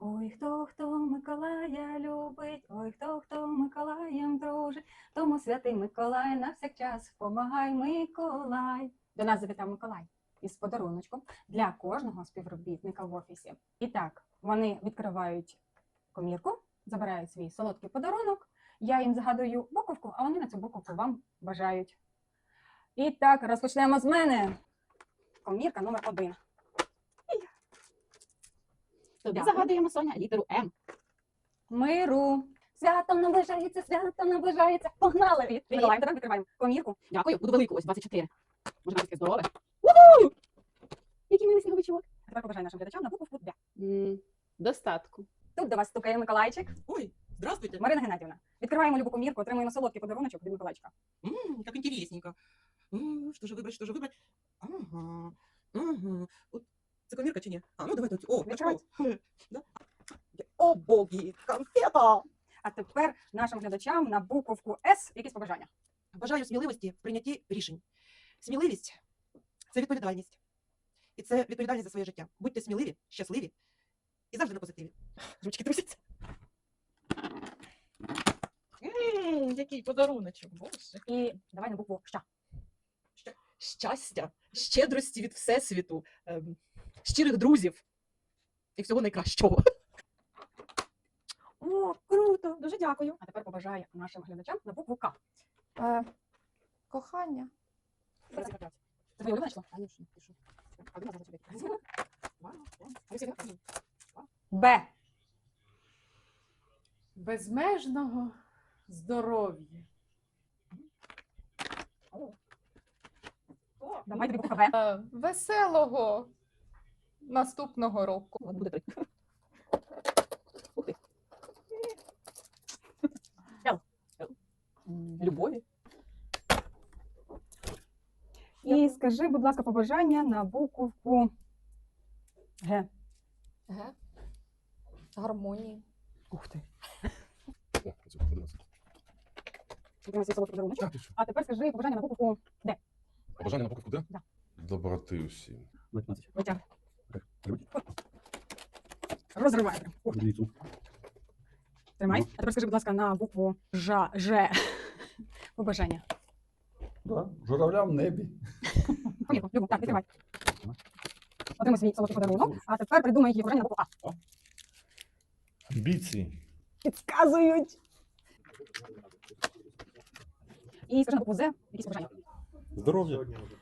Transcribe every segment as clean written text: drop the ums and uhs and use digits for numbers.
Ой, хто Миколая любить, ой, хто Миколаєм дружить, тому святий Миколай на всякчас помагай, Миколай. До нас завітав Миколай із подаруночком для кожного співробітника в офісі. І так, вони відкривають комірку, забирають свій солодкий подарунок, я їм загадую буковку, а вони на цю буковку вам бажають. І так, розпочнемо з мене. Комірка номер 1. Тобі загадуємо, Соня, літеру М. Миру. Святом наближається. Погнали! Миколай, тепер відкриваємо комірку. Дякую, буду велику, ось 24. Може, таке здорове. Уху! Який милий сніговичок. А тепер побажай нашим глядачам на буковку Д. Достатку. Тут до вас стукає Миколайчик. Ой, здравствуйте. Марина Геннадівна. Відкриваємо любу комірку, отримуємо солодкий подаруночок від Миколайчика. Как интересненько. Что же выбрать? Ага. Ага. Вот, це комірка чи ні? А, ну давай тут. О, Відкривай. Да? О, боги, конфета! А тепер нашим глядачам на буковку С якісь побажання. Бажаю сміливості в прийнятті рішень. Сміливість – це відповідальність. І це відповідальність за своє життя. Будьте сміливі, щасливі і завжди на позитиві. Ручки трусяться. Який подаруночок, боже. І давай на букву Щ. Щастя, щедрості від Всесвіту, щирих друзів і всього найкращого. О, круто! Дуже дякую. А тепер побажаю нашим глядачам на букву К. Кохання. Це твоє улюблене число? Конечно, пишу. Б. Безмежного здоров'я. Давай тобі буква В. Веселого наступного року. Ладно, буде 3. Ух ти. Л. Любові. І скажи, будь ласка, побажання на буковку Г. Г. Гармонії. Ух ти. Отримай свій солодкий подаруночок. Так, ти що? А тепер скажи побажання на буковку Д. Побажання на буковку Д? Да. Доброти усім. Витягни. Розривай. Тримай. А тепер скажи, будь ласка, на букву Ж. Побажання. Да, журавля в небі. Комірку, Любу, так, відкривай. Отримай свій солодкий подарунок. А тепер придумай її побажання на букву А. Амбіції. Підказують. І скажи на букву З якісь побажання. Здоров'я.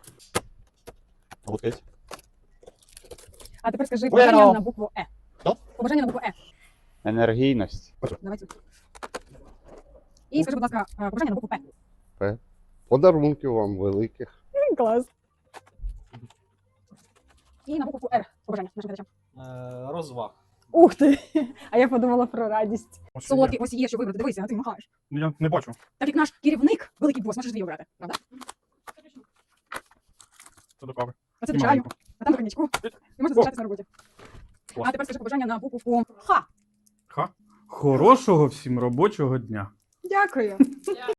Вот эти. А тепер скажи побажання на букву Е. Що? Побажання на букву Е. Енергійність. Давайте. І скажи, будь ласка, побажання на букву П. Подарунків вам великих. Клас. І на букву Р побажання нашим глядачам. Розваг. Ух ти! А я подумала про радість. Солодкий ось є, що вибрати. Дивися, а ти махаєш. Я не бачу. Так як наш керівник, великий бос, можеш дві обрати, правда? Це до кави. А це І до чаю, маленьку. а там до коньячку. І можна залишатися на роботі. А тепер скажи побажання на букву Х. Хорошого всім робочого дня. Дякую.